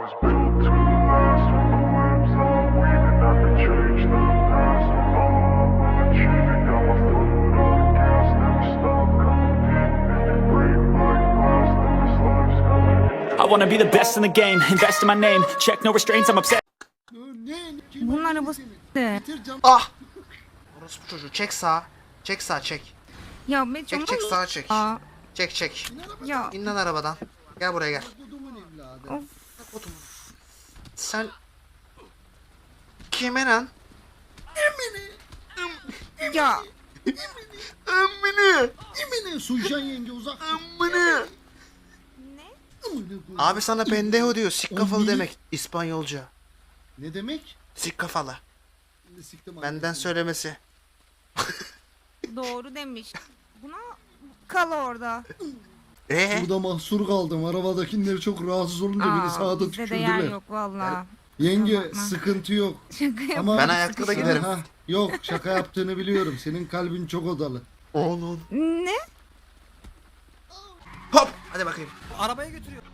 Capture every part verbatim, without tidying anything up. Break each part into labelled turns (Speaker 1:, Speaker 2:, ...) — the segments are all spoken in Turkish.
Speaker 1: was built to last with the webs I'm weaving. I could change the past, but all I will achieve it. Got my foot on the gas, never stop competing. If you break my glass, then this life's gonna end.
Speaker 2: I wanna be the best in the game, invest in my name, check no restraints, I'm obsessed.
Speaker 3: Bunun arabası de.
Speaker 4: Ah! Orospu çocuğu çek sağa. Çek sağa çek.
Speaker 3: Ya be
Speaker 4: Çek çek sağa çek.
Speaker 3: Aa,
Speaker 4: Çek çek.
Speaker 3: ya
Speaker 4: İn lan arabadan. Gel buraya gel.
Speaker 3: of.
Speaker 4: Otur. Sen kime lan?
Speaker 3: Ya
Speaker 4: Emmini.
Speaker 5: Emine Suycan yenge uzak.
Speaker 4: Emmini.
Speaker 3: Ne?
Speaker 4: Abi sana pendejo diyor. Sik kafalı
Speaker 5: Emmini.
Speaker 4: demek İspanyolca.
Speaker 5: Ne demek?
Speaker 4: Sik kafalı.
Speaker 5: Şimdi siktim
Speaker 4: Benden
Speaker 5: anasını.
Speaker 4: söylemesi.
Speaker 3: Doğru demiş. Buna kal orada.
Speaker 4: Ee?
Speaker 5: Burada mahsur kaldım. Arabadakiler çok rahatsız olunca beni
Speaker 3: Aa,
Speaker 5: sağda
Speaker 3: bizde de yer
Speaker 5: tükürdüler.
Speaker 3: yok valla.
Speaker 5: Yenge
Speaker 3: Kusura bakma.
Speaker 5: sıkıntı yok.
Speaker 3: Şaka yap.
Speaker 5: Ama
Speaker 4: Ben ayakta da giderim.
Speaker 5: Aha, yok şaka yaptığını biliyorum. Senin kalbin çok odalı.
Speaker 4: Onun.
Speaker 3: Ne?
Speaker 4: Hop. Hadi bakayım.
Speaker 6: Arabaya götürüyor.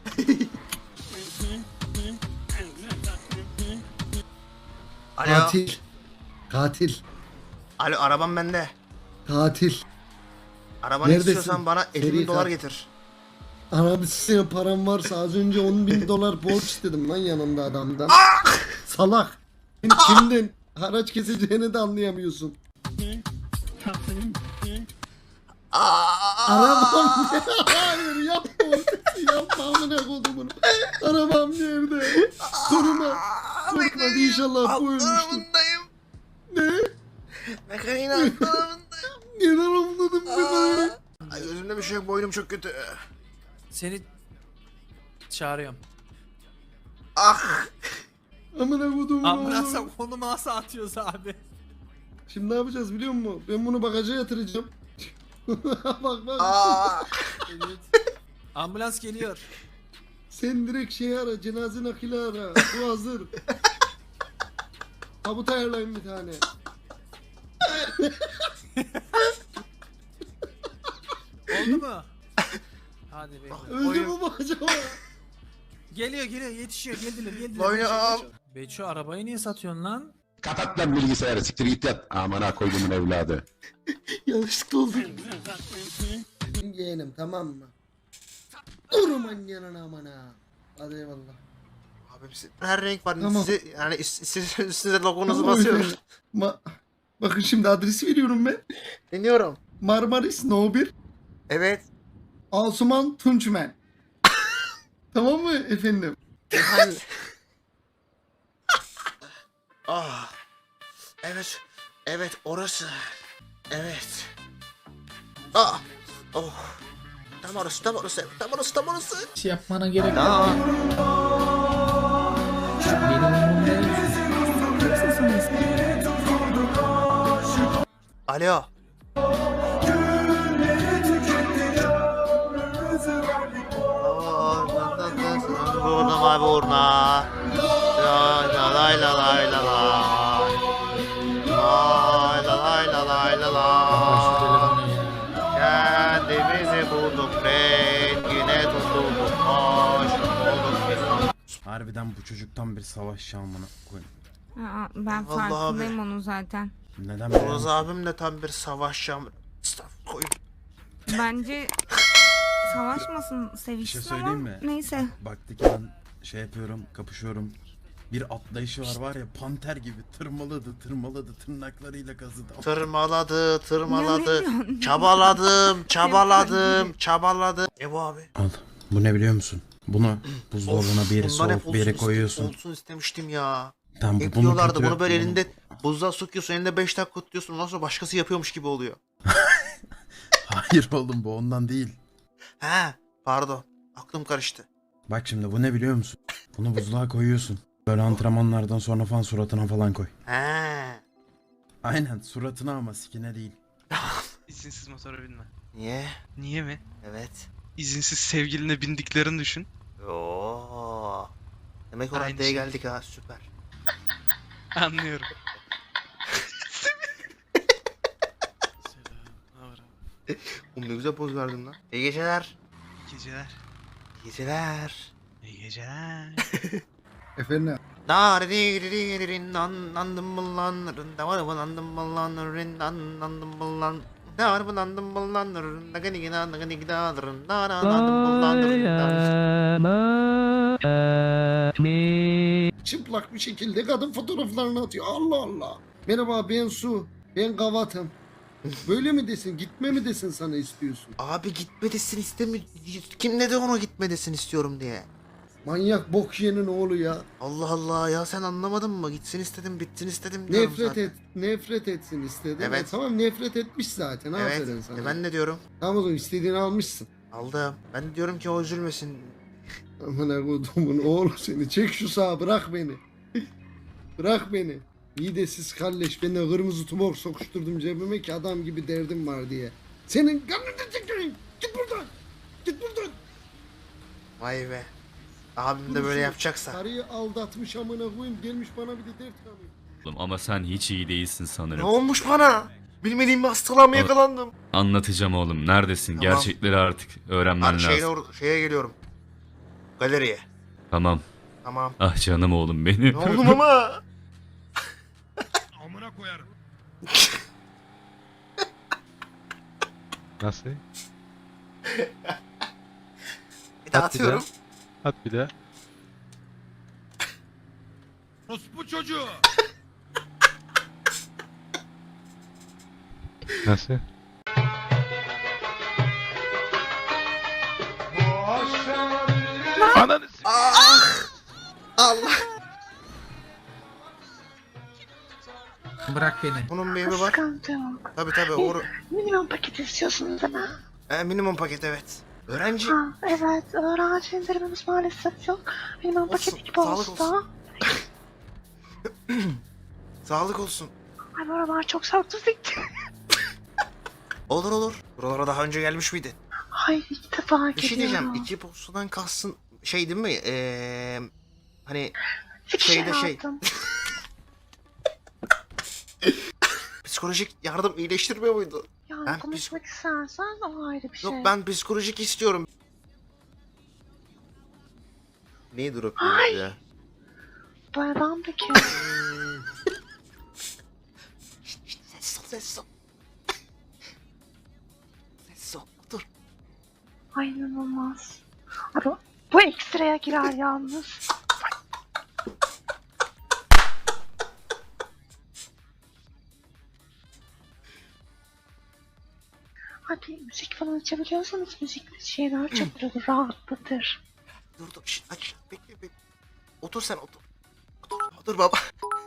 Speaker 4: Alo.
Speaker 5: Katil. Katil.
Speaker 4: Alo arabam bende.
Speaker 5: Katil.
Speaker 4: Arabanı
Speaker 5: Neredesin?
Speaker 4: istiyorsan bana elli
Speaker 5: Seri
Speaker 4: bin dolar
Speaker 5: katil.
Speaker 4: getir.
Speaker 5: Abi senin param varsa az önce on bin dolar borç istedim lan yanında adamdan. Salak. Kimden haraç keseceğini de anlayamıyorsun. Arabam ne? Hayır yapma onu. Yapma amına kodumun. Arabam nerede? Koruma. Korkmadı inşallah bu ölmüştür.
Speaker 4: Altlarındayım.
Speaker 5: Ne?
Speaker 4: Mekaniğin altlarındayım.
Speaker 5: Neden anladım bunu?
Speaker 4: Ay gözümde bir şey yok, boynum çok kötü.
Speaker 6: Seni çağırıyorum.
Speaker 4: Ah.
Speaker 5: Amına kodumun.
Speaker 6: Ambulansa konumu nasıl atıyoruz abi?
Speaker 5: Şimdi ne yapacağız biliyor musun? Ben bunu bagaja yatıracağım. Bak bak.
Speaker 4: Aa.
Speaker 6: Ambulans geliyor.
Speaker 5: Sen direkt şey ara, cenaze nakili ara. Bu hazır. Tabut ayarlayın bir tane.
Speaker 6: Oldu mu? Hadi be.
Speaker 5: Öldü mü bu acaba?
Speaker 6: Geliyor geliyor yetişiyor geldiler geldiler.
Speaker 4: Boynu
Speaker 6: Beço,
Speaker 4: al.
Speaker 6: Beço. Beço arabayı niye satıyorsun lan?
Speaker 7: Kapat lan bilgisayarı, siktir git yat. Amına koyduğumun evladı.
Speaker 4: Yanlışlıkla oldu.
Speaker 5: Yeğenim tamam mı? Durman yanına amana. Hadi eyvallah.
Speaker 4: Abim siz- her renk var.
Speaker 5: Tamam.
Speaker 4: Size yani is- siz üstünüze logonuzu
Speaker 5: Tamam,
Speaker 4: basıyorum.
Speaker 5: efendim. Ma Bakın şimdi adresi veriyorum ben.
Speaker 4: Dinliyorum.
Speaker 5: Marmaris No bir.
Speaker 4: Evet.
Speaker 5: Asuman Tunçmen. Tamam mı efendim?
Speaker 4: Ben... ah. Evet. Evet orası. Evet. Ah. Oh. Tam orası, tam orası, tam orası, tam orası.
Speaker 8: şey yapmana gerek yok.
Speaker 4: Tamam.
Speaker 8: Benim umurumda
Speaker 4: Alo. Vurdum abi uğruna. Lay la lay la lay la lay. Lay la lay la lay la lay. Kendimizi bulduk rengine tutulduk aşık olduk biz.
Speaker 9: Harbiden bu çocuktan bir savaş şamına koy.
Speaker 3: Aa, ben
Speaker 4: Vallahi
Speaker 3: farkındayım onun zaten.
Speaker 9: Neden
Speaker 4: Oğuz
Speaker 9: böyle?
Speaker 4: abim de tam bir savaş şamı. Estağfurullah koyun.
Speaker 3: Bence savaşmasın
Speaker 9: Bir
Speaker 3: sevişsin
Speaker 9: şey
Speaker 3: ama
Speaker 9: söyleyeyim mi?
Speaker 3: neyse.
Speaker 9: Baktı ki ben şey yapıyorum, kapışıyorum. Bir atlayışı var var ya, panter gibi tırmaladı, tırmaladı, tırnaklarıyla kazıdı.
Speaker 4: Tırmaladı,
Speaker 3: Ya
Speaker 4: tırmaladı.
Speaker 3: ne diyorsun?
Speaker 4: Çabaladım, çabaladım, çabaladım. E bu abi.
Speaker 9: Al. Bu ne biliyor musun? Bunu buzdolabına bir yere
Speaker 4: bundan hep
Speaker 9: soğuk bir yere
Speaker 4: olsun
Speaker 9: koyuyorsun.
Speaker 4: iste- Olsun istemiştim ya.
Speaker 9: Tamam,
Speaker 4: Hep
Speaker 9: bunu
Speaker 4: diyorlardı
Speaker 9: kötü-
Speaker 4: bunu böyle
Speaker 9: bunu-
Speaker 4: elinde buzluğa sokuyorsun, elinde beş dakika tutuyorsun. Ondan sonra başkası yapıyormuş gibi oluyor.
Speaker 9: Hayır oğlum, bu ondan değil.
Speaker 4: He, pardon. Aklım karıştı.
Speaker 9: Bak şimdi bu ne biliyor musun? Bunu buzluğa koyuyorsun. Böyle antrenmanlardan sonra falan suratına falan koy.
Speaker 4: He.
Speaker 9: Aynen, suratına ama sikine değil.
Speaker 10: İzinsiz motora binme.
Speaker 4: Niye?
Speaker 10: Niye mi?
Speaker 4: Evet.
Speaker 10: İzinsiz sevgiline bindiklerini düşün.
Speaker 4: Oo. Demek o
Speaker 10: Aynı
Speaker 4: raddeye
Speaker 10: şey.
Speaker 4: geldik ha, süper.
Speaker 10: Anlıyorum.
Speaker 4: Oğlum ne güzel poz verdin lan. İyi geceler.
Speaker 10: İyi geceler.
Speaker 4: İyi geceler.
Speaker 10: İyi geceler.
Speaker 5: Efendim.
Speaker 4: Dariririn anlandım mı lan rında var mı landım mı lan rında anlandım mı lan da var mı landım mı lan rında gani gina gani gida rında anlandım mı lan rında.
Speaker 5: Çıplak bir şekilde kadın fotoğraflarını atıyor. Allah Allah. Merhaba ben Su. Ben Gavat'ım. Böyle mi desin? Gitme mi desin sana istiyorsun?
Speaker 4: Abi gitme desin istemiyor. Kim dedi onu gitme desin istiyorum diye.
Speaker 5: Manyak bok yiyenin oğlu ya.
Speaker 4: Allah Allah ya sen anlamadın mı? Gitsin istedim bitsin istedim diyorum
Speaker 5: Nefret
Speaker 4: zaten.
Speaker 5: et, nefret etsin istedim.
Speaker 4: Evet.
Speaker 5: E, tamam nefret etmiş zaten. Aferin
Speaker 4: Evet
Speaker 5: sana.
Speaker 4: e ben ne diyorum?
Speaker 5: Tamam o zaman istediğini almışsın.
Speaker 4: Aldım. Ben de diyorum ki o üzülmesin.
Speaker 5: Aman kodumun oğlu seni. Çek şu sağa bırak beni. Bırak beni. Midesiz kalleş. Ben de kırmızı tumor sokuşturdum cebime ki adam gibi derdim var diye. Senin kanını çekeyim. Git buradan. Git buradan.
Speaker 4: Vay be. Abim de böyle yapacaksa.
Speaker 5: Karıyı aldatmış amına koyayım. Gelmiş bana bir de dert kanıyor.
Speaker 11: Ama sen hiç iyi değilsin
Speaker 4: Ne
Speaker 11: sanırım.
Speaker 4: olmuş bana? Bilmediğim bir hastalığa mı yakalandım?
Speaker 11: Anlatacağım oğlum. Neredesin?
Speaker 4: Tamam.
Speaker 11: Gerçekleri artık öğrenmen
Speaker 4: Abi şeyle
Speaker 11: lazım.
Speaker 4: or- şeye geliyorum. Galeriye.
Speaker 11: Tamam.
Speaker 4: Tamam.
Speaker 11: Ah canım oğlum benim.
Speaker 4: Ne oldu ama?
Speaker 9: Amına koyarım.
Speaker 6: Nasıl?
Speaker 4: Bir daha atıyorum.
Speaker 6: At bir de.
Speaker 9: Orospu çocuğu.
Speaker 6: Nasıl? Ananı s-
Speaker 4: Ah! Allah.
Speaker 8: Bırak beni.
Speaker 4: Bunun bir evi var. Tabi tabi. Or-
Speaker 12: Minimum paket istiyorsunuz değil mi?
Speaker 4: e, minimum paket evet. Öğrenci.
Speaker 12: Ha, evet. Öğrenci indirimimiz maalesef yok. Minimum
Speaker 4: Olsun,
Speaker 12: paket gibi
Speaker 4: sağlık
Speaker 12: olsa.
Speaker 4: Sağlık olsun.
Speaker 12: Ay bu aralar çok sarktı zikti.
Speaker 4: Olur olur. Buralara daha önce gelmiş miydin?
Speaker 12: Hayır ilk defa
Speaker 4: Bir şey diyeceğim.
Speaker 12: geliyorum.
Speaker 4: İki postadan kalsın şey değil mi? Eee hani
Speaker 12: İki
Speaker 4: şeyde şey.
Speaker 12: aldım.
Speaker 4: psikolojik yardım iyileştirmiyor muydu?
Speaker 12: Yani
Speaker 4: Ben
Speaker 12: konuşmak istersen o ayrı bir şey.
Speaker 4: Yok ben psikolojik istiyorum. Neyi durup
Speaker 12: Ay.
Speaker 4: ya?
Speaker 12: Bu adam da kim?
Speaker 4: Şşt, şşt, Ses ol ses ol. Ses ol dur.
Speaker 12: Ay inanılmaz. Ay, bu, bu ekstraya girer yalnız. Hadi müzik falan açabiliyorsanız müzik şeyler çok böyle rahatlatır.
Speaker 4: Dur dur şşt, aç bekle bekle. Otur sen otur. Otur, otur baba.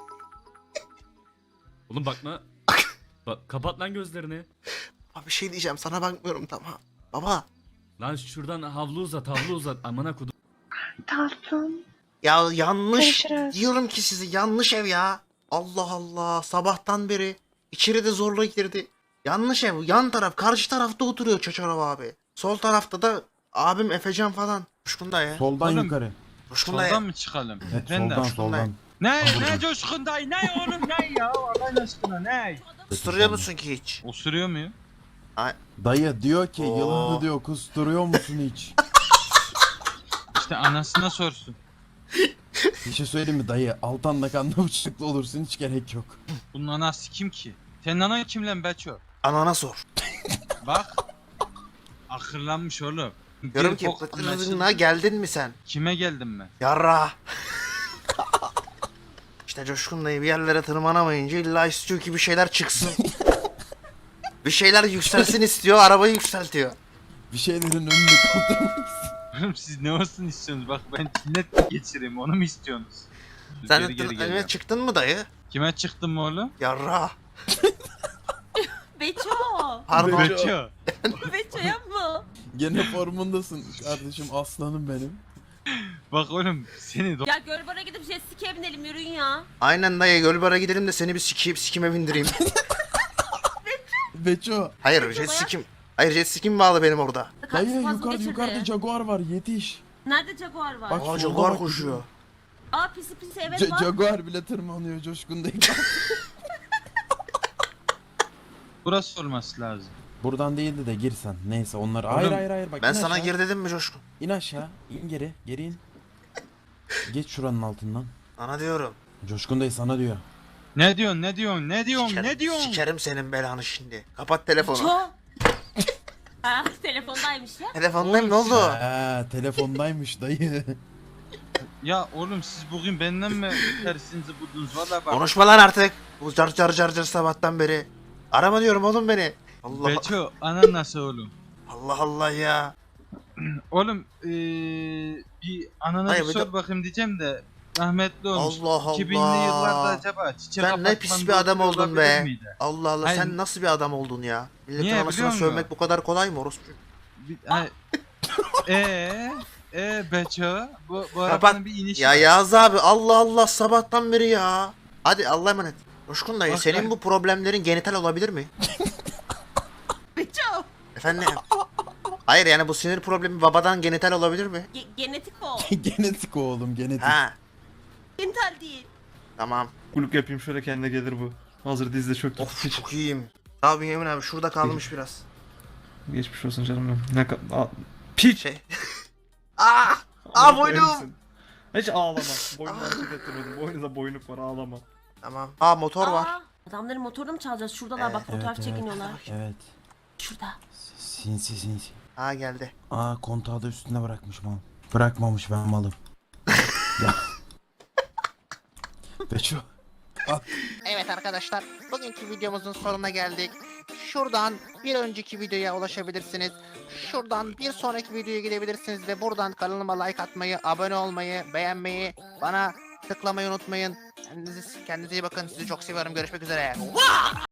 Speaker 11: Oğlum bakma. Bak kapat lan gözlerini.
Speaker 4: Baba bir şey diyeceğim sana bakmıyorum tamam. Baba.
Speaker 11: Lan şuradan havlu uzat havlu uzat. Amına kodum.
Speaker 12: Tatlım.
Speaker 4: Ya yanlış
Speaker 12: Görüşürüz.
Speaker 4: diyorum ki sizi yanlış ev ya. Allah Allah sabahtan beri içeri de zorla girdi. Yanlış ev yan taraf karşı tarafta oturuyor Çaçarov abi. Sol tarafta da abim Efecan falan. Coşkun dayı.
Speaker 9: Soldan
Speaker 6: Oğlum,
Speaker 9: yukarı.
Speaker 4: Coşkun dayı.
Speaker 6: Soldan mı çıkalım?
Speaker 9: Evet,
Speaker 6: Efendim?
Speaker 9: soldan
Speaker 4: Coşkun dayı.
Speaker 9: soldan.
Speaker 6: Ne? Ne Coşkun dayı? Ne oğlum ne ya? Allah aşkına ne?
Speaker 4: Isırıyor musun ki hiç?
Speaker 6: Osuruyor muyum?
Speaker 9: Dayı diyor ki
Speaker 4: Oo.
Speaker 9: yılında diyor kusturuyor musun hiç?
Speaker 6: İşte anasına sorsun.
Speaker 9: Bir şey söyleyeyim mi dayı? Altan da kanlı bıçaklı olursun hiç gerek yok.
Speaker 6: Bunun anası kim ki? Senin anan kim lan Beço?
Speaker 4: Anana sor.
Speaker 6: Bak. Akırlanmış oğlum.
Speaker 4: Diyorum
Speaker 6: Bir
Speaker 4: ki
Speaker 6: bok
Speaker 4: pıtırına
Speaker 6: anlaşıldı.
Speaker 4: geldin mi sen?
Speaker 6: Kime geldim ben?
Speaker 4: Yarra. İşte Coşkun dayı bir yerlere tırmanamayınca illa istiyor ki bir şeyler çıksın. Bir şeyler yükselsin istiyor, arabayı yükseltiyor.
Speaker 9: Bir şeylerin önünde kaldırmak
Speaker 6: Oğlum siz ne olsun istiyorsunuz? Bak ben cinnet mi geçireyim onu mu istiyorsunuz?
Speaker 4: Sen
Speaker 6: Geri
Speaker 4: de
Speaker 6: geri
Speaker 4: tır-
Speaker 6: geliyorum.
Speaker 4: önüne çıktın mı dayı?
Speaker 6: Kime çıktın mı oğlum?
Speaker 4: Yarra.
Speaker 3: Beço.
Speaker 4: Pardon.
Speaker 6: Beço.
Speaker 3: Beço yapma.
Speaker 9: Gene formundasın kardeşim aslanım benim.
Speaker 6: Bak oğlum seni do-
Speaker 3: Ya Gölbar'a gidip jet ski'ye binelim yürüyün ya.
Speaker 4: Aynen dayı Gölbar'a gidelim de seni bir sikeyim sikime bindireyim.
Speaker 9: Beço.
Speaker 4: Hayır jet ski'm. Hayır jet ski'm bağlı benim orada.
Speaker 9: Dayı
Speaker 3: Spazm
Speaker 9: yukarı,
Speaker 3: geçirdi.
Speaker 9: yukarıda jaguar var yetiş.
Speaker 3: Nerede Jaguar var?
Speaker 9: Bak,
Speaker 4: Aa
Speaker 9: solda
Speaker 4: Jaguar
Speaker 9: bak.
Speaker 4: koşuyor.
Speaker 3: Aa pisi pisi evet
Speaker 9: Ja-
Speaker 3: var.
Speaker 9: jaguar bile tırmanıyor coşkun değil.
Speaker 6: Burası olması lazım.
Speaker 9: Buradan değildi de girsen. Neyse onlar. Hayır
Speaker 6: Oğlum,
Speaker 9: hayır hayır bak.
Speaker 4: Ben
Speaker 9: in
Speaker 4: sana
Speaker 9: aşağı.
Speaker 4: gir dedim mi Coşkun?
Speaker 9: İn aşağı. İn geri. Geri in. Geç şuranın altından.
Speaker 4: Sana diyorum.
Speaker 9: Coşkun dayı sana diyor.
Speaker 6: Ne diyorsun ne diyorsun ne diyorsun
Speaker 4: Sikerim,
Speaker 6: ne diyorsun?
Speaker 4: Sikerim senin belanı şimdi. Kapat telefonu.
Speaker 3: Ço. Ha telefondaymış ya.
Speaker 4: Telefondayım ne oldu?
Speaker 9: Ha, telefondaymış dayı.
Speaker 6: Ya oğlum siz bugün benden mi tersinizi buldunuz valla bak.
Speaker 4: Konuşma lan artık. Bu car car car car sabahtan beri. Arama diyorum oğlum beni. Allah
Speaker 6: Beço anan nasıl oğlum?
Speaker 4: Allah Allah ya.
Speaker 6: Oğlum ee, bir anana
Speaker 4: Hayır,
Speaker 6: bir
Speaker 4: bir
Speaker 6: sor
Speaker 4: de-
Speaker 6: bakayım diyeceğim de rahmetli olmuş.
Speaker 4: Allah Allah.
Speaker 6: iki binli yıllarda acaba çiçek
Speaker 4: Sen ne pis bir adam oldun be. Allah Allah
Speaker 6: Hayır.
Speaker 4: sen nasıl bir adam oldun ya? Milletin
Speaker 6: Niye,
Speaker 4: anasına
Speaker 6: biliyor musun?
Speaker 4: sövmek bu kadar kolay mı orospu?
Speaker 6: Eee eee Beço bu, bu
Speaker 4: Kapat.
Speaker 6: arabanın bir inişi
Speaker 4: Ya
Speaker 6: var.
Speaker 4: Yağız abi Allah Allah sabahtan beri ya. Hadi Allah'a emanet. Coşkun dayı
Speaker 6: Bak
Speaker 4: senin
Speaker 6: ben-
Speaker 4: bu problemlerin genital olabilir mi?
Speaker 3: Beço.
Speaker 4: Efendim? Hayır yani bu sinir problemi babadan genital olabilir mi?
Speaker 3: Ge- genetik o.
Speaker 9: Genetik oğlum genetik.
Speaker 4: Ha
Speaker 3: Genital değil.
Speaker 4: tamam.
Speaker 6: Kulüp yapayım şöyle kendine gelir bu. Hazır dizde çok
Speaker 4: Of çok iyiyim. Abi Yemin abi şurada kalmış biraz.
Speaker 6: Geçmiş olsun canım benim. Ne kadar... Piç!
Speaker 4: Şey. Aa! Aa boynum.
Speaker 6: Hiç ağlama. Boynunu hareket ettirmedim. Boynunda boynuk var ağlama.
Speaker 4: Tamam. Aa motor var.
Speaker 3: Aa, adamların motorunu mu çalacağız? Şuradalar bak fotoğraf çekiniyorlar.
Speaker 9: Evet.
Speaker 3: Şurada.
Speaker 9: Sinsi sinsi.
Speaker 4: Ha geldi.
Speaker 9: Aa kontağı da üstüne bırakmış mal. Bırakmamış ben malım. Ya. Beço.
Speaker 4: Evet arkadaşlar, bugünkü videomuzun sonuna geldik. Şuradan bir önceki videoya ulaşabilirsiniz. Şuradan bir sonraki videoya gidebilirsiniz ve buradan kanalıma like atmayı, abone olmayı, beğenmeyi, bana tıklamayı unutmayın. Kendinize, kendinize iyi bakın. Sizi çok seviyorum. Görüşmek üzere.